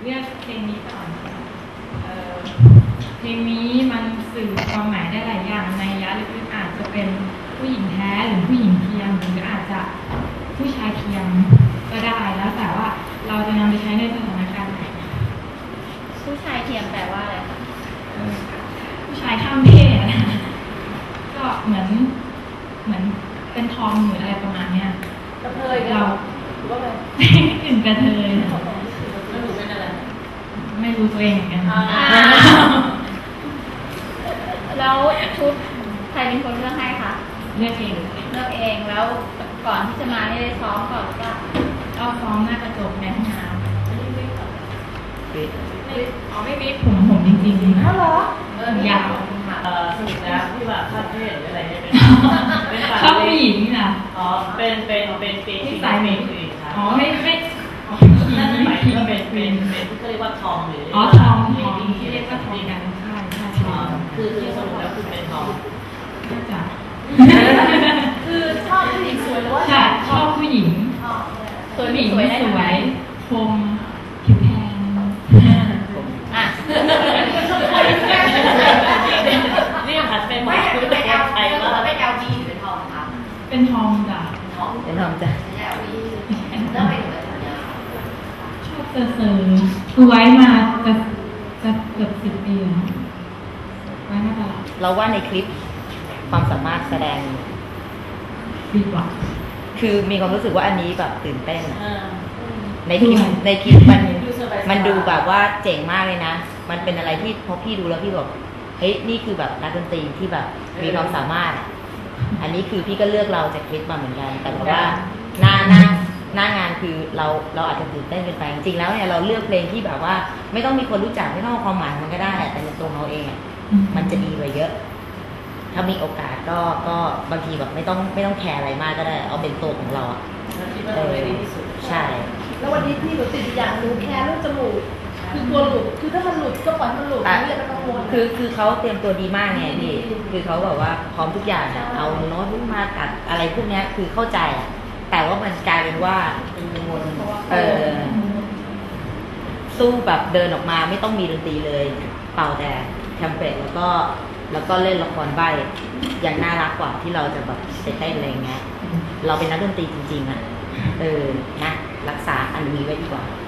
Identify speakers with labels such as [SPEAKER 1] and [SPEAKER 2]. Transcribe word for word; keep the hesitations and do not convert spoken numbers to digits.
[SPEAKER 1] เลือกเพลงนี้ก่อนเอ่อเพลงนี้มันสื่อความหมายได้หลายอย่างในยะลึกๆอาจจะเป็นผู้หญิงแท้หรือผู้หญิงเทียมหรืออาจจะผู้ชายเทียมก็ได้แล้วแต่ว่าเราจะนำไปใช้ในสถานการณ์ไหน
[SPEAKER 2] ผู้ชายเทียมแปลว่าอะไรคะ
[SPEAKER 1] ผู้ชายข้ามเพศก็เหมือนเหมือนเป็นทอมหรืออะไรประมาณเนี้ย
[SPEAKER 3] กระเทย
[SPEAKER 1] เรา
[SPEAKER 3] หรือว่าอะไร
[SPEAKER 1] กึ่งกระเทย
[SPEAKER 3] ไม่รู้เป็นอะไร
[SPEAKER 1] ไม่รู้ตัวเองเหมือนกัน
[SPEAKER 2] แล้วชุดใครเป็นคนเลือกให้คะ
[SPEAKER 1] เลือกเอง
[SPEAKER 2] เลือกเองแล้วก่อนที่จะมาได้ซ้อมก่อนก็
[SPEAKER 1] ก็ซ้อมหน้ากระจกในห้องน้ำไม่วิกไม่อ๋อไม่วิกผมผมจริงๆ
[SPEAKER 3] อ้าวเหรอ
[SPEAKER 1] ผมยาว
[SPEAKER 3] เออสนุกนะที่แบบข้ามเพศอะไรเนี่ยเป็น
[SPEAKER 1] เป็นชอบผู้หญิงนี่นะ
[SPEAKER 3] อ๋อเป็นเป็นเป็นเป็น
[SPEAKER 1] ที่สายเมย์อ๋อไม่ไม่
[SPEAKER 3] นั่นหมายถึงว่าเป็นเป็นเป็นที่เรียกว่าทองหรือ
[SPEAKER 1] อ๋อทองทองที่เรียกว่าทองกันใช่ใช่ใช่
[SPEAKER 3] คือคือสรุปแล้วคือเป็นทอง
[SPEAKER 1] น่าจะ
[SPEAKER 3] คือชอบผู้หญิงสวยหรือว่า
[SPEAKER 1] ใช่ชอบผู้หญิง
[SPEAKER 2] สวยผู้หญิงสวย
[SPEAKER 1] สวยคมผิวแทน
[SPEAKER 2] อ่ะ
[SPEAKER 3] นี่หันไปมองคือเป็นไทยว่า
[SPEAKER 4] เป็น แอล บี หรือเป็นทองครับ
[SPEAKER 1] เป็นทองจ้ะ
[SPEAKER 4] เป็นทองจ้ะเป็น แอล บี แล้วเป็นแบบนี้
[SPEAKER 1] ชอบเซอร์เซอร์คือไว้มาจะจะเกือบสิบปีแล้วไว้มาตลอด
[SPEAKER 5] เราว่าในคลิปความสามารถแสดง
[SPEAKER 1] ดีกว่า
[SPEAKER 5] คือมีความรู้สึกว่าอันนี้แบบตื่นเต้นในคลิปในคลิปมันมันดูแบบว่าเจ๋งมากเลยนะมันเป็นอะไรที่พอพี่ดูแล้วพี่บอกเฮ้ยนี่คือแบบนักดนตรีที่แบบมีความสามารถอันนี้คือพี่ก็เลือกเราจากคลิปมาเหมือนกันแต่ว่าหน้าหน้าหน้างานคือเราเราอาจจะตื่นเต้นเกินไปจริงๆแล้วเนี่ยเราเลือกเพลงที่แบบว่าไม่ต้องมีคนรู้จักไม่ต้องความหมายมันก็ได้แต่ในตัวเราเองอ่ะมันจะดีกว่าเยอะถ้ามีโอกาสก็ก็บางทีแบบไม่ต้องไม่ต้องแคร์อะไรมากก็ได้เอาเป็นตัวของเราอ่ะ
[SPEAKER 3] เออ
[SPEAKER 5] ใช่
[SPEAKER 3] แล้ววันนี้พี่หนูติดอย่างหนูแคร์เรื่องจมูกคือตัวหลุดคือถ้ามันหลุดก็ปล่อยมันหลุดไม่อย่าไปกังวล
[SPEAKER 5] คือคือเขาเตรียมตัวดีมากไงพี่คือเขาแบบว่าพร้อมทุกอย่างอ่ะเอาโน้ตมาตัดอะไรพวกนี้คือเข้าใจอ่ะแต่ว่ามันกลายเป็นว่าเออสู้แบบเดินออกมาไม่ต้องมีดนตรีเลยเป่าแต่แทมเพลตแล้วก็แล้วก็เล่นละครใบอย่างน่ารักกว่าที่เราจะแบบไปเต้นอะไรเงี้ยเราเป็นนักดนตรีจริงๆอ่ะเออนะรักษาอันนี้ไว้ดีกว่า